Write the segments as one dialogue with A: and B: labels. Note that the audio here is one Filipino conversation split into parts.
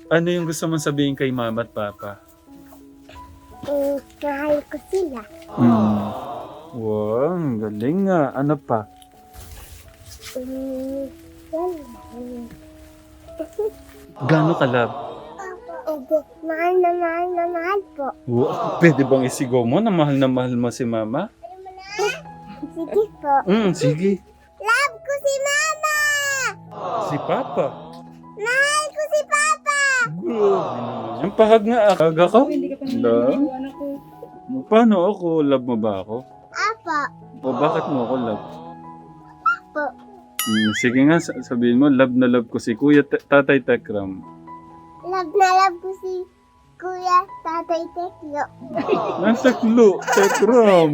A: Ano yung gusto mong sabihin kay mama at papa?
B: Mahal ko sila.
A: Hmm. Wow, ang galing nga. Ano pa?
B: Yan.
A: Gano'n ka love?
B: Mahal na mahal po.
A: Wow, pwede bang isigaw mo na mahal mo si mama?
B: Sige po.
A: Sige.
B: Love ko si mama!
A: Si papa.
B: Mahal ko si papa!
A: Yung pahag nga aga ka?
C: Hindi ka pa naman
A: Love?
C: naligo, anak ko.
A: Paano ako? Love mo ba ako?
B: Apa.
A: O bakit mo ako love?
B: Po.
A: Sige nga, sabihin mo, love na love ko si Kuya Tatay Tekram.
B: Love na love ko si Kuya Tatay Teklo.
A: Teklo, Tekram.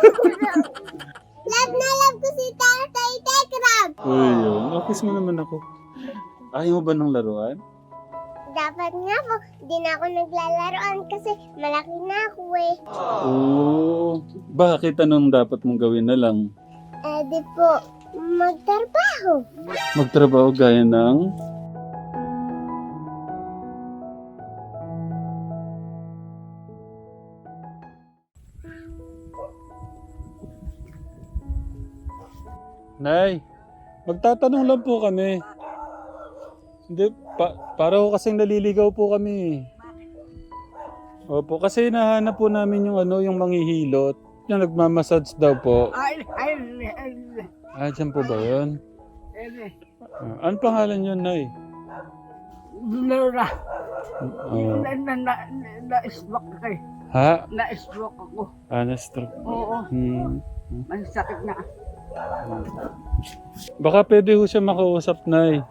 B: Love na love ko si Tatay Tekram.
A: Uy, yun. Kiss mo naman ako. Ayaw mo ba ng laruan?
B: Dapat nga po, di na ako naglalaroan kasi malaki na ako eh.
A: Oo. Bakit anong dapat mong gawin na lang?
B: Di po, magtrabaho.
A: Magtrabaho gaya ng... Nay, magtatanong lang po kami. Hindi, para ko kasing naliligaw po kami. Opo, kasi nahanap po namin yung yung manghihilot. Yung nagmamassage daw po. Dyan po ba yun? Ano pangalan yun, Nay?
C: Laura,
A: Oh.
C: na-stroke ako eh.
A: Ha?
C: Na-stroke ako.
A: Na-stroke.
C: Oo, may sakit na.
A: Baka pwede ho siya makausap, Nay.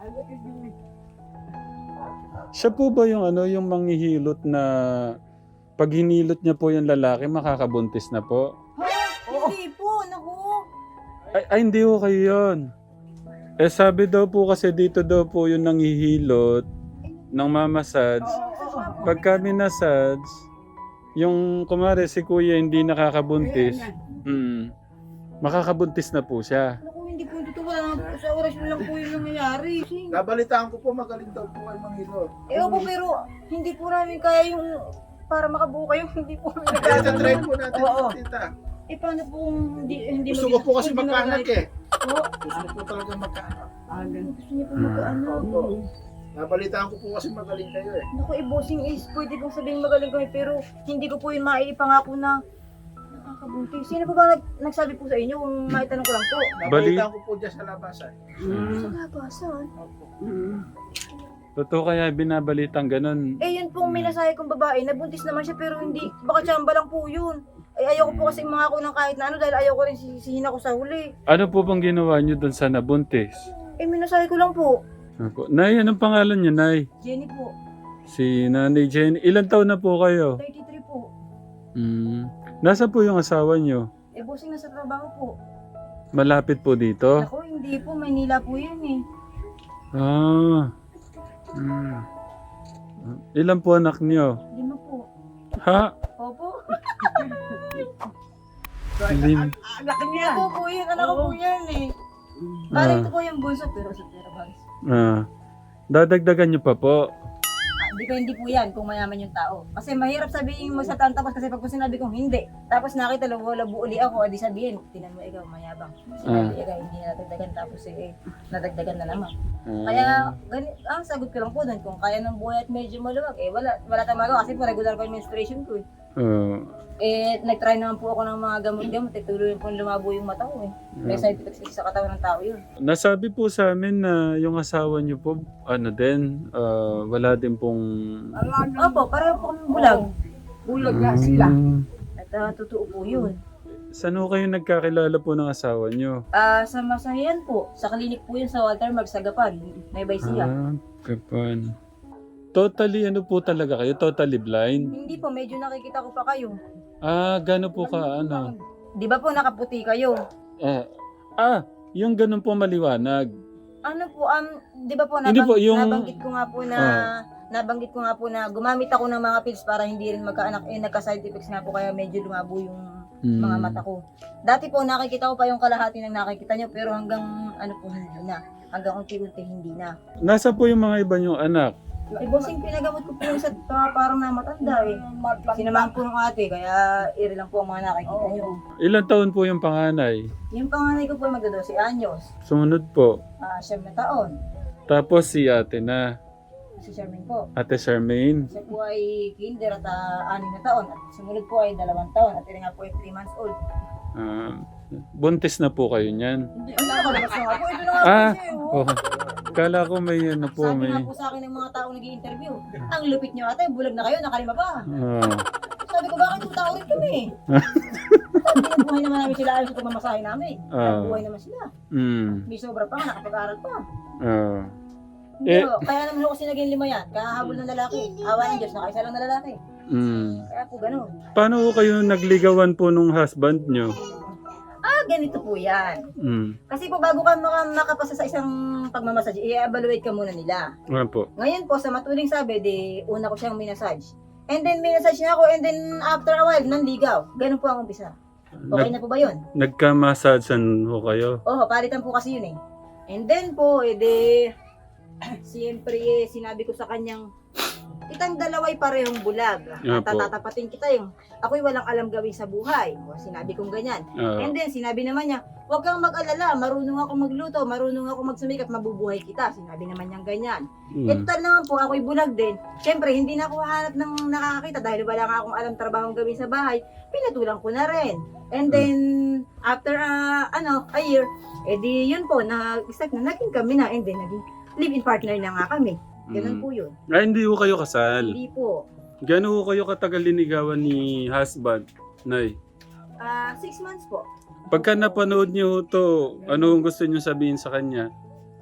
A: Siya po ba yung yung manghihilot na pag hinilot niya po yung lalaki, makakabuntis na po?
C: Hindi po, naku.
A: Ay, hindi ho kayo yun. Sabi daw po kasi dito daw po yung nanghihilot ng mamassage. Pagka minasage, yung kumare si kuya hindi nakakabuntis, makakabuntis na po siya.
C: Naku, hindi po dito. Wala naman po. Sa orasyon lang po yung nangyayari.
D: Nabalitaan ko po magaling daw po ay manghilot.
C: Opo, pero hindi po namin kaya yung para makabuo kayo. Hindi po kami
D: Kaya
C: nagkakaroon.
D: try po natin,
C: Oo.
D: tita.
C: Paano po kung hindi
D: Gusto ko po kasi
C: hindi
D: magkaanak
C: magkaanak?
D: eh.
C: Oo.
D: Gusto ko po talaga magkaanak.
C: Gusto niyo po magkaanak.
D: Opo. Nabalitaan ko po kasi magaling kayo eh.
C: Naku, bossing is pwede pong sabihin magaling kami pero hindi ko po yun maipangako na nakakabuntis. Sino po ba nagsabi po sa inyo kung maitanong ko lang po?
D: Nabalitaan ko po dyan sa labasan.
C: Sa labasan?
D: Opo.
A: Totoo kaya binabalitang ganun.
C: Yun pong minasahe kong babae, nabuntis naman siya pero hindi, baka tsamba lang po yun. Ayoko po kasi mangako ng kahit na ano dahil ayoko rin sisihin ako sa huli.
A: Ano po bang ginawa niyo doon sa nabuntis?
C: Minasahe ko lang po.
A: Nay, anong pangalan niyo, Nay?
C: Jenny po,
A: Si Nanay Jenny. Ilan taon na po kayo?
C: 33 po.
A: Nasa po yung asawa niyo?
C: Bossing nasa trabaho po.
A: Malapit po dito?
C: Ako, hindi po, Maynila po yun eh.
A: Ah. Ilan po anak niyo?
C: 5 po.
A: Ha?
C: Opo.
A: Lim.
C: Anak niya. Ako po yun, anak ko po yan eh. Bali ito po yung bunso pero sa pera bags.
A: Dadagdagan niyo pa po.
C: Depende po yan kung mayaman yung tao. Kasi mahirap sabihin mo sa tapos kasi pag po sinabi kong hindi, tapos nakita labo uli ako, adi sabihin, tinan mo ikaw mayabang. Sinabi ikaw, hindi nadagdagan tapos nadagdagan na naman. Kaya ang sagot ko lang po doon, kung kaya ng buhay at medyo maluwag, wala tayong magawa kasi po regular ko yung menstruation ko eh. Nag-try naman po ako ng mga gamot-gamot, tuloy po lumabo yung mata ko eh. May side effects kasi sa katawan ng tao yun.
A: Nasabi po sa amin na yung asawa niyo po, wala din pong...
C: Opo, pareho po kami bulag.
D: Bulag na sila.
C: At totoo po yun.
A: Saan ho kayo nagkakilala po ng asawa niyo?
C: Sa Masahian po, sa klinik po yun sa Walter Mark, sa Gapan, may Baysiya.
A: Kapan. Totally po talaga kayo? Totally blind?
C: Hindi po, medyo nakikita ko pa kayo.
A: Gano'n po ka
C: Di ba po nakaputi kayo?
A: Yung ganun po maliwanag.
C: Ano po, di ba po,
A: Hindi po, yung-
C: nabanggit ko nga po na gumamit ako ng mga pills para hindi rin magkaanak, nagka-side effects nga po kaya medyo lumabo yung mga mata ko. Dati po nakikita ko pa yung kalahati ng nakikita nyo pero hanggang hindi na. Hanggang unti-unti hindi na.
A: Nasa po yung mga iba niyong anak?
C: Eh, bossing, pinagamot ko po yung isa parang namatanda eh. Sinamahan po ng ate, kaya iri lang po ang mga nakikita nyo.
A: Ilan taon po yung panganay?
C: Yung panganay ko po ay magda-12 anyos.
A: Sumunod po.
C: 7 na taon.
A: Tapos si ate na,
C: Si Charmaine po.
A: Ate Charmaine.
C: Siya po ay kinder at 6 na taon. At sumunod po ay 2 taon. At iri nga po ay 3 months old.
A: Buntis na po kayo niyan.
C: Hindi, ang nakalabas na nga po. Ito na nga
A: Ah,
C: po siya eh, oh.
A: oh. Kala ko may ano po,
C: Sabi
A: may...
C: nga po sa akin ng mga taong nag-i-interview, ang lupit nyo ate, bulag na kayo, nakalima pa.
A: Ah.
C: Sabi ko, bakit yung tao rin kami? Sabi ko, buhay naman namin sila ayos sa pamamasahe namin. Buhay naman sila. May sobra pa, nakapag-aral pa. Pero, kaya naman ako kasi naging 5 yan, kahahabol ng lalaki. Awa ng Diyos, nakaisa lang na lalaki. Kaya po ganun.
A: Paano ko kayo nagligawan po nung husband nyo?
C: Ganito po yan. Kasi po bago ka makapasa sa isang pagmamassage, i-evaluate ka muna nila.
A: Ano po?
C: Ngayon po, sa matuling sabi, una ko siyang minasage. And then minasage niya ako, and then after a while, nanligaw. Ganun po ang umpisa. Okay na po ba yun?
A: Nagka-massagean ho kayo?
C: Oo, palitan po kasi yun eh. And then po, siyempre, sinabi ko sa kanyang, kitang dalaway parehong bulag.
A: Yeah,
C: At tatatapatin kita yung, ako'y walang alam gawin sa buhay. O, sinabi kong ganyan. And then, sinabi naman niya, huwag kang mag-alala, marunong ako magluto, marunong ako magsumikap, mabubuhay kita. Sinabi naman niyang ganyan. Total naman po, ako'y bulag din. Siyempre, hindi na ako hanap ng nakakakita dahil wala nga akong alam trabahong gawin sa bahay. Pinatulang ko na rin. And then, after a year, yun po, nag-start na, naging kami na, and then, naging live-in partner na nga kami. Ganun po yun.
A: Hindi ko kayo kasal.
C: Hindi po.
A: Gano'n ko kayo katagal linigawan ni husband, Nay?
C: 6 months po.
A: Pagka napanood niyo to, ano ang gusto niyo sabihin sa kanya?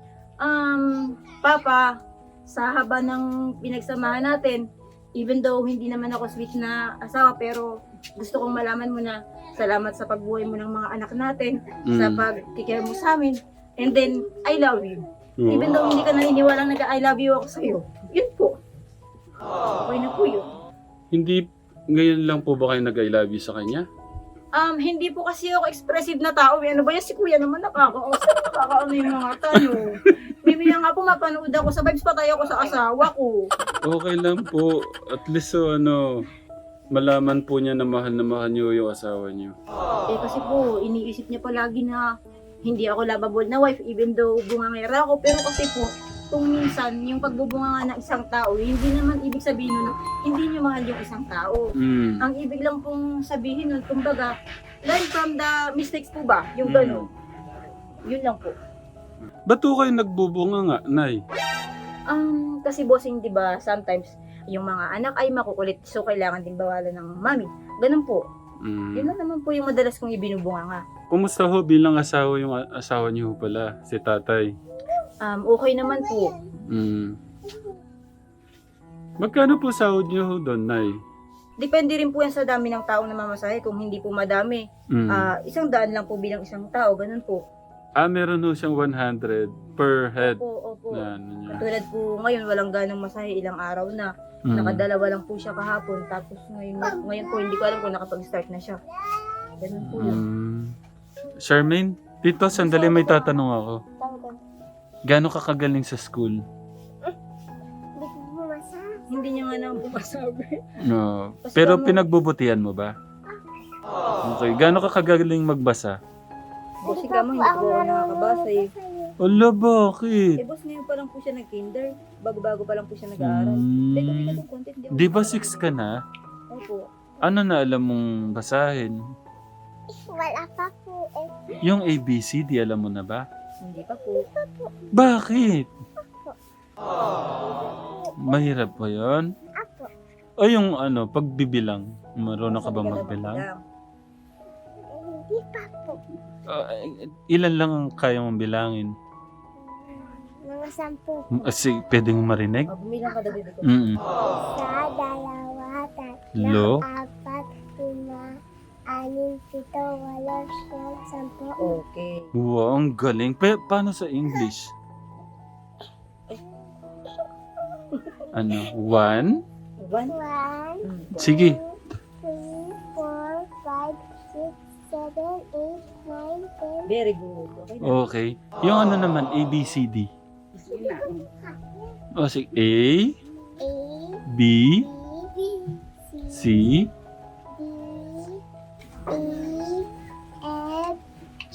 C: Papa, sa haba ng pinagsamahan natin, even though hindi naman ako sweet na asawa, pero gusto kong malaman mo na salamat sa pagbuhay mo ng mga anak natin, sa pagkikare mo sa amin, and then, I love you. Even though hindi ka naniniwala nag-I love you ako sa'yo, yun po. Okay na po yun.
A: Hindi, ngayon lang po ba kayo nag-I love you sa kanya?
C: Hindi po kasi ako expressive na tao. Ano ba yan? Si kuya naman nakakaano yung mga tayo. Mimiya nga po mapanood ako sa vibes, patay ako sa asawa ko.
A: Okay lang po. At least malaman po niya na mahal niyo yung asawa niyo.
C: Kasi po, iniisip niya palagi na hindi ako lovable na wife even though bungangera ako. Pero kasi po, kung minsan yung pagbubunga ng isang tao, hindi naman ibig sabihin nun, hindi niyo mahal yung isang tao. Ang ibig lang pong sabihin nun, kumbaga, learn from the mistakes po ba? Yung gano'n. Yun lang po.
A: Ba't po kayo nagbubunga nga, Nay?
C: Kasi bossing, di ba, sometimes, yung mga anak ay makukulit, so kailangan din bawalan ng mami. Ganun po. Yun lang naman po yung madalas kong ibinubunga nga.
A: Kumusta ho bilang asawa yung asawa niyo pala, si tatay?
C: Okay naman po.
A: Magkano po sahod niyo ho doon, Nay?
C: Depende rin po yan sa dami ng tao na mamasahe. Kung hindi po madami, 100 lang po bilang isang tao. Ganun po.
A: Meron ho siyang 100 per head.
C: Opo.
A: Na, ano niya.
C: Katulad po ngayon, walang ganang masahe. Ilang araw na. Nakadalawa lang po siya kahapon. Tapos ngayon po, hindi ko alam kung nakapag-start na siya. Ganun po yun.
A: Charmaine, dito sandali may tatanong ako. Gano'n ka kagaling sa school?
B: Hindi ko bumasa.
C: Hindi niya nga naman po masabi.
A: No. Pero pinagbubutihan mo ba? Okay. Gano'n ka kagaling magbasa?
C: Boss, ikaw mo, hindi po ako nakakabasa eh.
A: Ala, bakit?
C: Boss, ngayon pa lang po siya nag-kinder. Bago-bago pa lang po siya nag-aaral. Teka, itong content.
A: Di ba 6 ka na?
C: Opo.
A: Ano na alam mong basahin?
B: Wala pa po eh.
A: Yung ABCD, alam mo na ba?
C: Hindi pa po.
A: Bakit? Mahirap ba yun?
B: Apo.
A: O yung pagbibilang? Marunong ka ba magbilang?
B: Hindi pa po.
A: Ilan lang ang kaya mong bilangin?
B: Mga 10 po.
A: Pwedeng marinig?
C: Bumilang ka daw dito.
B: Isa, dalawa, tatlo,
A: Lo?
B: 4, 5, 6, 7, 8, 9, 10.
C: Okay.
A: Wow, ang galing. Paano sa English? Ano? 1?
C: 1?
B: 1,
A: Sige.
B: 2, 3, 4, 5, 6, 7, 8, 9, 10.
C: Very good. Okay na.
A: Okay. Yung naman, ABCD. O, sige. A, B,
B: B,
A: C,
B: D, E, F, G,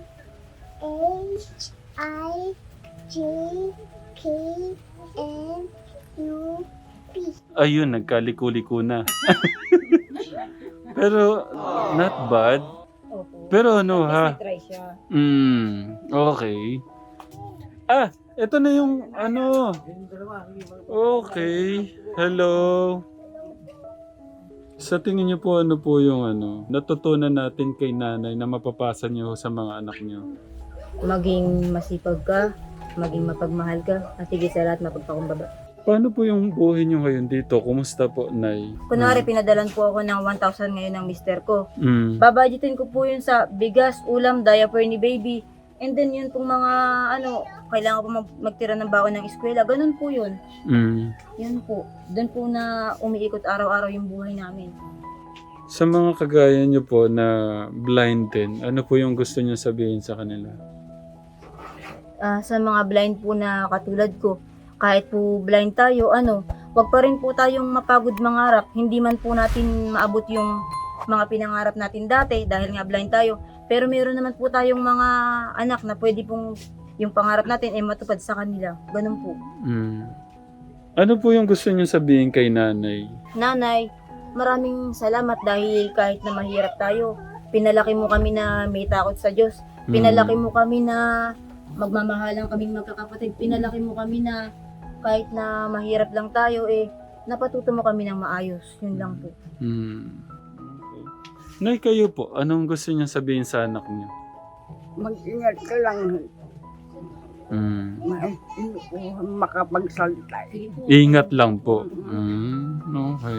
B: H, I, J, K, L, U, P.
A: ayun, nagkaliko-liko na. Pero, not bad.
C: Opo.
A: Pero ano ha?
C: Kasi try siya.
A: Okay. Ah, ito na yung ano. Okay. Hello. Sa tingin niyo po ano po yung ano, natutunan natin kay nanay na mapapasa niyo sa mga anak niyo?
C: Maging masipag ka, maging mapagmahal ka, at higit sa lahat mapagpakumbaba.
A: Paano po yung buhay niyo ngayon dito? Kumusta po, Nay?
C: Kunwari, pinadalan po ako ng 1,000 ngayon ng mister ko.
A: Mm.
C: Babudgetin ko po yun sa bigas, ulam, diaper ni baby. And then yun pong mga kailangan ko magtira ng baon ng eskwela. Ganun po yun.
A: Mm.
C: Yun po. Doon po na umiikot araw-araw yung buhay namin.
A: Sa mga kagaya niyo po na blind din, ano po yung gusto niyo sabihin sa kanila?
C: Sa mga blind po na katulad ko, kahit po blind tayo, wag pa rin po tayong mapagod mangarap. Hindi man po natin maabot yung mga pinangarap natin dati dahil nga blind tayo. Pero meron naman po tayong mga anak na pwede pong yung pangarap natin ay matupad sa kanila. Ganun po.
A: Mm. Ano po yung gusto niyo sabihin kay nanay?
C: Nanay, maraming salamat dahil kahit na mahirap tayo, pinalaki mo kami na may takot sa Diyos. Pinalaki mo kami na magmamahalan kaming magkakapatid. Pinalaki mo kami na kahit na mahirap lang tayo, napatuto mo kami ng maayos. Yun lang po.
A: Mm. Okay. Nay, kayo po, anong gusto niyo sabihin sa anak niyo?
E: Mag-ingat ka lang.
A: Mm.
E: Makapagsalita.
A: Ingat lang po. Okay.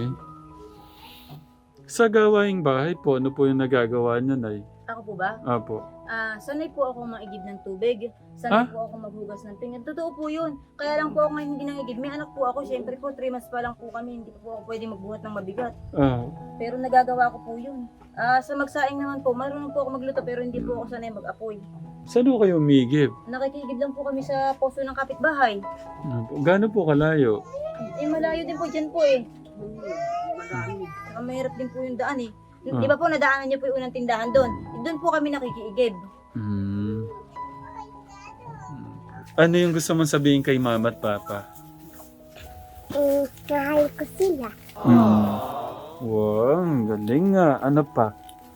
A: Sa gawaing bahay po, ano po yung nagagawa niyo, Nay?
C: Ako po ba?
A: Apo.
C: Sanay po ako maigib ng tubig. Sanay po ako maghugas ng pinggan. Totoo po yun. Kaya lang po ako ngayon hindi nangigib. May anak po ako. Siyempre po, 3 months pa lang po kami. Hindi po ako pwede magbuhat ng mabigat.
A: Ah.
C: Pero nagagawa ko po yun. Sa magsaing naman po, marunong po ako magluto pero hindi po ako sanay mag-apoy.
A: Saan po kayo umigib?
C: Nakikigib lang po kami sa poso ng kapitbahay.
A: Gaano po kalayo?
C: Malayo din po dyan po Saka mahirap din po yung daan Di ba po nadaanan niyo po yung unang tindahan doon? Doon po kami nakikiigib.
A: Ano yung gusto mong sabihin kay mama at papa?
B: Mahal ko sila.
A: Wow, ang galing nga. Ano pa?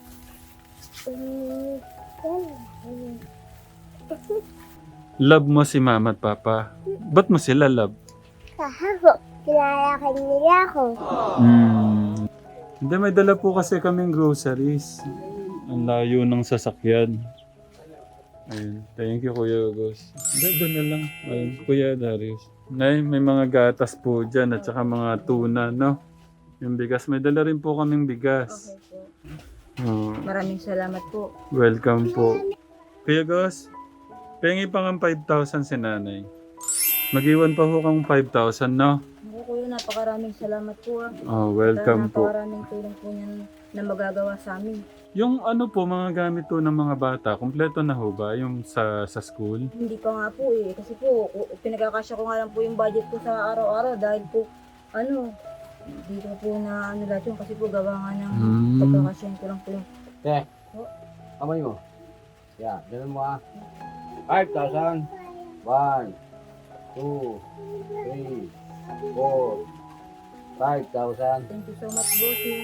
A: Love mo si mama at papa. Ba't mo sila love?
B: Kahapon, kinalakan nila ako.
A: Hindi, may dala po kasi kaming groceries. Ang layo ng sasakyan. Ayun. Thank you, Kuya August. Doon na lang. Ayun, Kuya Darius. Nay, may mga gatas po dyan at saka mga tuna, no? Yung bigas. May dala rin po kaming bigas.
C: Okay po. Maraming salamat po.
A: Welcome po. Kuya August, pengi pa ng 5,000 si nanay. Mag-iwan pa ho kang 5,000, no?
C: Kuya, napakaraming salamat po
A: Welcome po.
C: Napakaraming tulong po niyan na magagawa sa amin.
A: Yung ano po, mga gamit po ng mga bata, kompleto na ho ba yung sa school?
C: Hindi pa nga po kasi po pinagkakasya ko nga lang po yung budget ko sa araw-araw dahil po hindi ko po na lahat yun kasi po gawa nga ng pagkakasyahin ko lang po yung
F: Kamay mo. Yeah, ganun mo 5,000. 1, 2, 3, 4, 5,000.
C: thank you so much, bossing.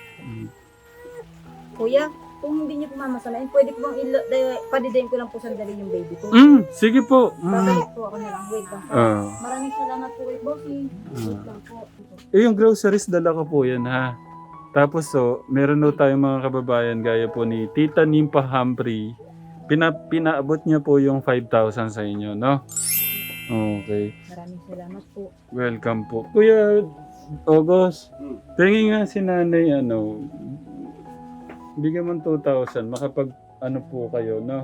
C: Kuya, kung hindi niyo po mamasamain, pwede po bang padidayin ko lang po sandali yung baby ko.
A: Sige po.
C: Babalik po ako na lang. Wait lang po. Maraming salamat po kay bossing. Wait lang po.
A: Yung groceries dala ko po yan ha. Tapos meron po tayong mga kababayan gaya po ni Tita Nimpa Humphrey. Pinaabot niya po yung 5,000 sa inyo, no? Okay.
C: Maraming salamat po.
A: Welcome po. Kuya August, tingin nga si nanay bigyan mo 2,000, makapag po kayo, no?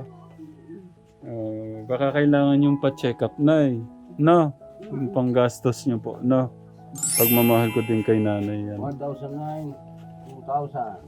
A: Baka kailangan yung pa-check up na no? Yung panggastos nyo po, no? Pagmamahal ko din kay nanay yan.
F: 1,009, 2,000.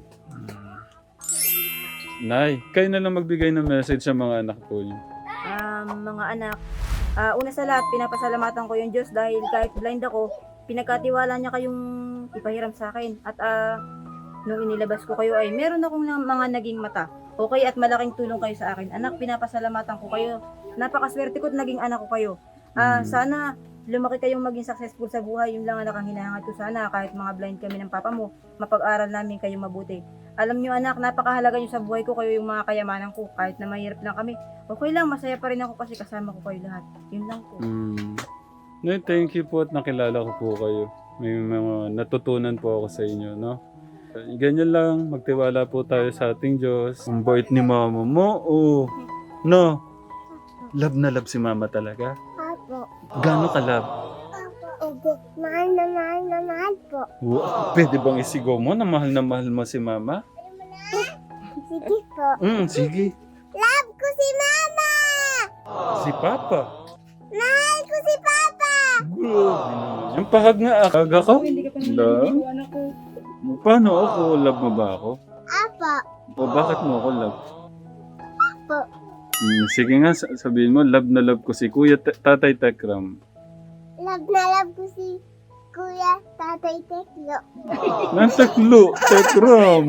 A: Nay, kayo na lang magbigay ng message sa mga anak po niyo.
C: Mga anak, una sa lahat, pinapasalamatan ko yung Diyos dahil kahit blind ako, pinagkatiwala niya kayong ipahiram sa akin. At nung inilabas ko kayo ay meron akong mga naging mata. Okay, at malaking tulong kayo sa akin. Anak, pinapasalamatan ko kayo. Napakaswerte ko at naging anak ko kayo. Sana lumaki kayong maging successful sa buhay. Yun lang anak ang hinahangad ko sana. Kahit mga blind kami ng papa mo, mapag-aral namin kayo mabuti. Alam niyo anak, napakahalaga niyo sa buhay ko. Kayo yung mga kayamanan ko. Kahit na mahirap lang kami. Okay lang, masaya pa rin ako kasi kasama ko kayo lahat. Yun lang po.
A: No, thank you po at nakilala ko po kayo. May mga natutunan po ako sa inyo, no? Ganyan lang, magtiwala po tayo sa ating Diyos. Ang bait ni mama mo, oh. No? Love na love si mama talaga?
B: Apo.
A: Gano'n ka love?
B: Mahal na mahal po.
A: Wow. Pwede bang isigaw mo na mahal mo si mama?
B: Sige po.
A: Sige.
B: Love ko si mama!
A: Si papa.
B: Mahal ko si papa!
A: Yung pahag nga aga ka?
C: Hindi ka pa
A: Love?
C: anak ko.
A: Paano ako? Love mo ba ako?
B: Apo.
A: O bakit mo ako love?
B: Apo.
A: Sige nga, sabihin mo, love na love ko si Kuya Tatay Tekram.
B: Love na love ko si Kuya Tatay Teklo.
A: Nantaklo, Tekram.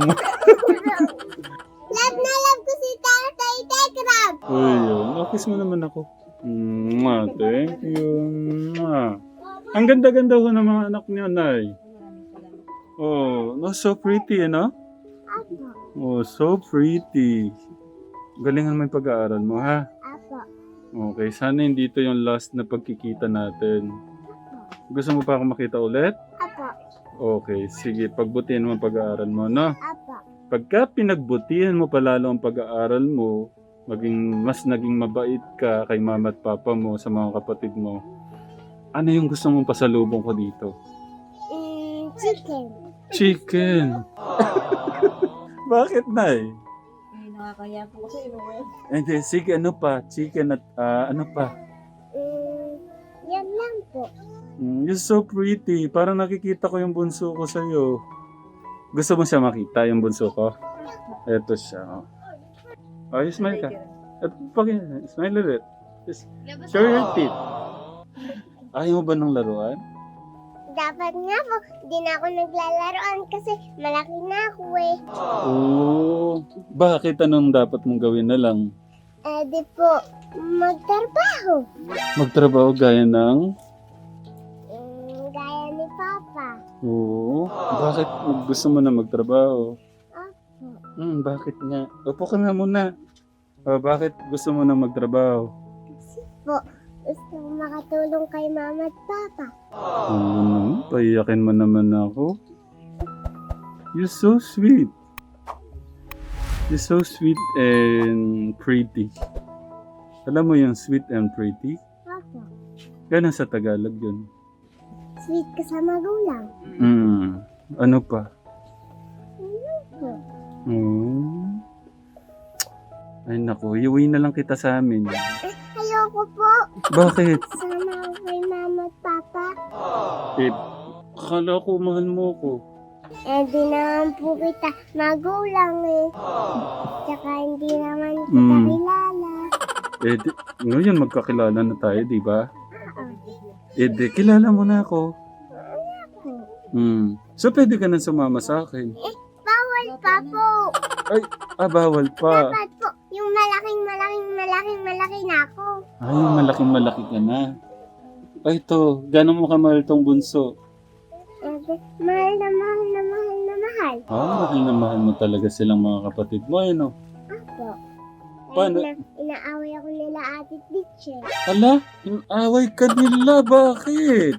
B: Love na love ko si Tatay Tekram.
A: Ayun, kiss mo naman ako. Thank you. Ang ganda-ganda ko ng mga anak niyo, Nay. Oh, no, so pretty, no?
B: Apo.
A: Oh, so pretty. Galingan mo yung pag-aaral mo, ha?
B: Apo.
A: Okay, sana hindi ito yung last na pagkikita natin. Gusto mo pa ako makita ulit?
B: Apo.
A: Okay, sige, pagbutihan mo ang pag-aaral mo, no?
B: Apo.
A: Pagka pinagbutihan mo palalo ang pag-aaral mo, naging mabait ka kay mama at papa mo, sa mga kapatid mo, ano yung gusto mong pasalubong ko dito?
B: Chicken.
A: Chicken. Bakit, Nay?
C: Nakakaya po kasi.
A: Hindi, sige, ano pa? Chicken at ano pa?
B: Yan lang po.
A: You're so pretty. Parang nakikita ko yung bunso ko sa'yo. Gusto mo siya makita, yung bunso ko? Eto siya. Oh, you smile ka. At smile ulit. Just show your teeth. Ayaw mo ba ng laruan?
B: Dapat nga po, di na ako naglalaroan kasi malaki na ako eh.
A: Oo. Bakit anong dapat mong gawin na lang?
B: Di po, magtrabaho.
A: Magtrabaho gaya ng...
B: Gaya ni Papa.
A: Oo. Bakit gusto mo na magtrabaho?
B: Opo.
A: Bakit nga? Upo ka nga muna. Bakit gusto mo na magtrabaho?
B: Kasi po, gusto ko makatulong kay Mama at Papa.
A: Paiyakin mo naman ako. You're so sweet. You're so sweet and pretty. Alam mo yung sweet and pretty?
B: Opo.
A: Ganun sa Tagalog yun.
B: Sweet ka sa magulang.
A: Ano pa?
B: Opo.
A: Ay naku, iuwi na lang kita sa amin.
B: Ayoko po.
A: Bakit?
B: Sama ako kay Mama at Papa.
A: Akala ko mahal mo ko.
B: Di naman po kita magulang eh. Tsaka hindi naman kita kilala.
A: Ngayon magkakilala na tayo, di ba? Kilala mo na ako. So pwede ka na sumama sa akin.
B: Bawal pa po.
A: Bawal pa.
B: Dapat po, yung malaking na ako.
A: Yung malaking-malaki ka na. Ito, gano'n mo kamahal tong bunso?
B: Mahal na mahal.
A: Mahal na mahal mo talaga silang mga kapatid mo, ano?
B: Apo.
A: Paano?
B: Inaaway ako nila Ate Teacher.
A: Ala, away ka nila, bakit?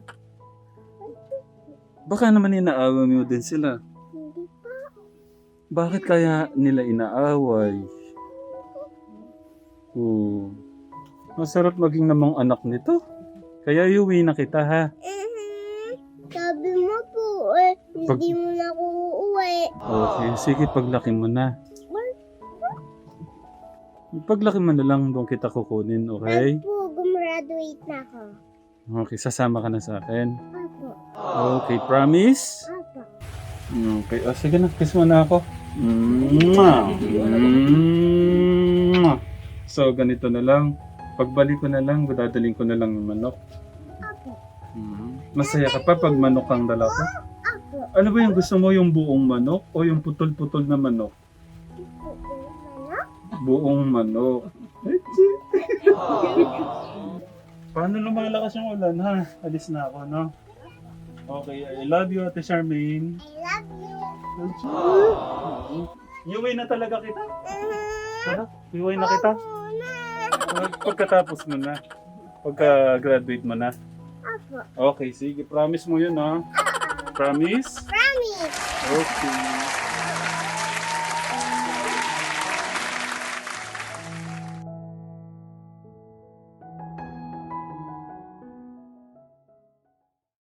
A: Baka naman inaaway mo din sila.
B: Hindi po.
A: Bakit kaya nila inaaway? Masarap maging namang anak nito. Kaya iuwi na kita, ha?
B: Sabi mo po hindi mo na ako uuwi.
A: Okay, sige, paglaki mo na. Paglaki mo na lang doon kita kukunin, okay?
B: Po, gumraduate na ako.
A: Okay, sasama ka na sa akin.
B: Apo.
A: Okay, promise?
B: Apo.
A: Okay, sige na, kiss mo na ako. Mwah! Mwah! So, ganito na lang. Pagbalik ko na lang, dadalhin ko na lang yung manok.
B: Apo.
A: Masaya ka pa pag manok ang dala ko?
B: Opo.
A: Ano ba yung gusto mo, yung buong manok o yung putol-putol na manok?
B: Ano?
A: Buong manok. Paano lumalakas yung ulan, ha? Alis na ako, no? Okay, I love you, Ate Charmaine.
B: I love you.
A: Iuwi na talaga kita? Tara, iuwi na kita? Pagkatapos mo na. Pagka-graduate mo na.
B: Opo.
A: Okay, sige. Promise mo yun, ha? Promise?
B: Promise.
A: Okay.